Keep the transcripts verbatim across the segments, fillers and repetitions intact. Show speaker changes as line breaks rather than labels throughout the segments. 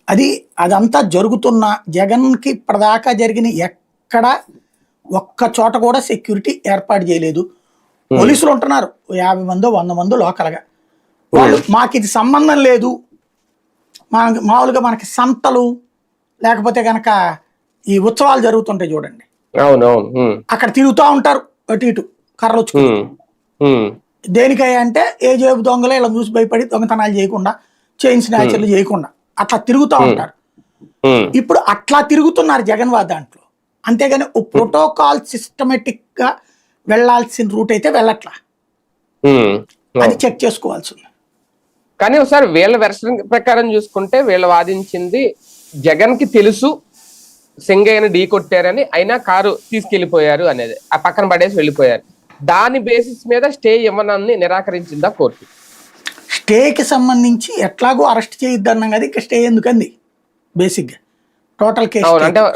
అది అదంతా జరుగుతున్న జగన్కి ఇప్పటిదాకా జరిగిన ఎక్కడ ఒక్క చోట కూడా సెక్యూరిటీ ఏర్పాటు చేయలేదు. పోలీసులు ఉంటున్నారు యాభై మందో వంద మందో లోకల్గా. వాళ్ళు మాకు ఇది సంబంధం లేదు, మా మామూలుగా మనకి సంతలు లేకపోతే కనుక ఈ ఉత్సవాలు జరుగుతుంటాయి చూడండి, అక్కడ తిరుగుతూ ఉంటారు అటు ఇటు కర్రలు వచ్చుకుని. దేనికయ్యా అంటే ఏ జేబు దొంగలు ఇలా చూసి భయపడి దొంగతనాలు చేయకుండా, చైన్ స్నాచర్లు చేయకుండా అట్లా తిరుగుతూ ఉంటారు. ఇప్పుడు అట్లా తిరుగుతున్నారు జగన్ వారి దాంట్లో. అంతేగాని ఓ ప్రోటోకాల్ సిస్టమేటిక్ గా వెళ్లాల్సిన రూట్ అయితే వెళ్ళట్లా. అది చెక్ చేసుకోవాల్సి ఉంది.
కానీ ఒకసారి వీళ్ళ వెర్షన్ ప్రకారం చూసుకుంటే వీళ్ళు వాదించింది జగన్ కి తెలుసు సింగయ్యని ఢీ కొట్టారని, అయినా కారు తీసుకెళ్లిపోయారు అనేది, ఆ పక్కన పడేసి వెళ్ళిపోయారు. దాని బేసిస్ మీద స్టే ఇవ్వనని నిరాకరించిందా కోర్టు?
స్టేకి సంబంధించి ఎట్లాగో అరెస్ట్ చేయొద్దు అన్నాం కదా, ఇంకా స్టే ఎందుకంది బేసిక్ గా టోటల్ కేసు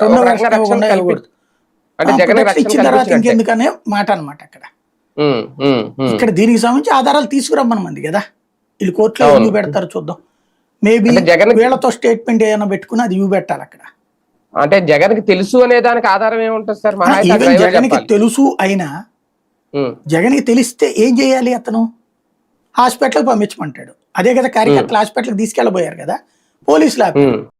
ఇచ్చిన తర్వాత ఇంకెందుకనే మాట అనమాట. అక్కడ ఇక్కడ దీనికి సంబంధించి ఆధారాలు తీసుకురమ్మనమంది కదా, వీళ్ళు కోర్టులో ఎందుకు పెడతారు చూద్దాం. మేబీ వీళ్ళతో స్టేట్మెంట్ ఏమైనా పెట్టుకుని అది ఇవి పెట్టాలి అక్కడ.
అంటే జగన్ కి తెలుసు అనే దానికి ఆధారం ఏముంటుంది సార్?
జగన్ కి తెలుసు అయినా జగన్ కి తెలిస్తే ఏం చేయాలి, అతను హాస్పిటల్కి పంపించమంటాడు. అదే కదా కార్యకర్తలు హాస్పిటల్కి తీసుకెళ్ళబోయారు కదా పోలీసులు.